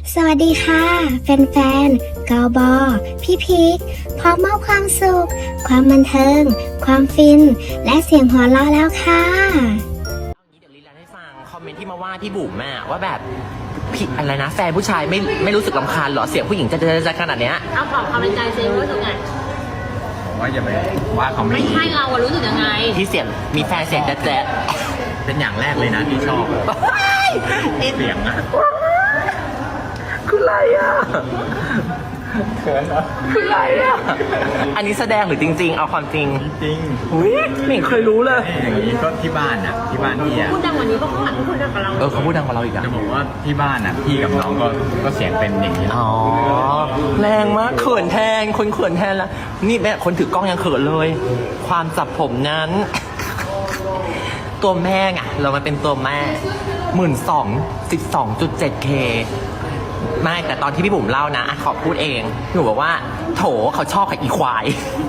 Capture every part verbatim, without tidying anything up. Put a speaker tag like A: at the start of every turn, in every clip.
A: สวัสดีค่ะแฟนๆกบพี่พีคพร้อมมอบความสุข ความบันเทิง ความฟิน และเสียงหัวเราะแล้วค่ะ
B: เดี๋ยวลีลาให้ฟังคอมเมนต์ที่มาว่าพี่บุ๋มแม่ว่าแบบพี่อะไรนะแฟนผู้ชายไม่ไม่รู้สึกรำคาญหรอเสียงผู้หญิงจะจะจะขนาดเนี้ย
C: เอาบอกความเป็นใจเซรู้สึกไง
D: ผมว่าอย่าไปว่าเขาไม่
C: ไม่ใช่เราอะรู้สึกยังไง
B: ที่เสียงมีแฟนเสียงแจ๊ะ
D: เป็นอย่างแรกเลยนะที่ชอบเสียงอะ
B: คืออะไรอ่ะ
D: เขินเหรอ
B: คืออะไรอ่ะอันนี้แสดงหรือจริงๆเอาความจริง
D: จริง
B: อุ้ยไม่เคยรู้เลย
D: อย่างนี้ก็ที่บ้านอ่ะที่บ้านพี่อ่ะ
C: พูดดังกว่านี้เพราะเขาหันมาพูดดังกับเรา
B: เออเขาพูดดังกว่าเราอีกอ่ะ
D: จะบอกว่าที่บ้านอ่ะพี่กับน้องก็ก็เสียงเป็นอย่างนี้
B: อ๋อแรงมากเขินแทนคนเขินแทนละนี่แม่คนถือกล้องยังเขินเลย ความจับผมนั้น ตัวแม่ไงเรามันเป็นตัวแม่หมื่นสองสิบสองจุดเจ็ดเคไม่แต่ตอนที่พี่บุ๋มเล่านะขอพูดเองพี่บุ๋มบอกว่าโถเขาชอบกับอีควาย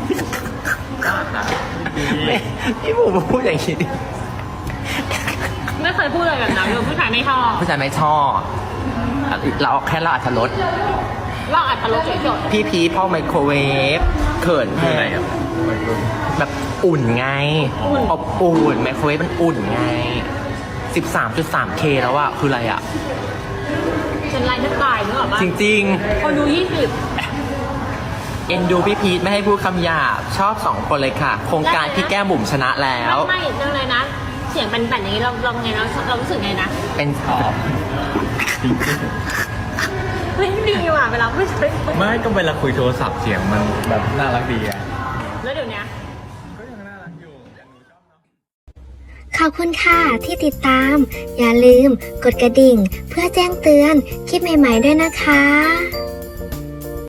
B: พี่บุ๋มพูดอย่างนี้
C: ไม่เคยพูดอะไรแบบนั้นเลยผู้ชายไม่ชอบ
B: ผู้ชายไม่ชอบเราแค่เราอัธรส
C: เราอัดตลกเฉย
B: ๆพี่พีพ่อไมโครเวฟเขินแทนแบบอุ่นไงอบอุ่นไมโครเวฟมันอุ่นไง สิบสามจุดสามเค แล้วอะคืออะไรอะ
C: เป็นไรทักตายนึกออกปะ
B: จริงๆ
C: คนดูยี่สิบ
B: เอ็นดูพี่พีทไม่ให้พูดคำหยาบชอบสองคนเลยค่ะโครงการพี่แก้มบุ๋มชนะแล้ว
C: ไม่ไม่เรื่องอะไรนะเสียงเป็นแบบนี้เราเราไงเราเรารู้สึกไงนะ
B: เป็นสอบ
C: ไม่ดีว่ะเวลาไม่ใช่
D: ไม่ก็เวลาคุยโทรศัพท์เสียงมันแบบน่ารักดีอะ
C: แล้วเดี๋ยวนี้
D: ก็ยังน่ารักอยู่ยังหนูชอบเนาะ
A: ขอบคุณค่ะที่ติดตาม อย่าลืมกดกระดิ่งเพื่อแจ้งเตือนคลิปใหม่ๆด้วยนะคะ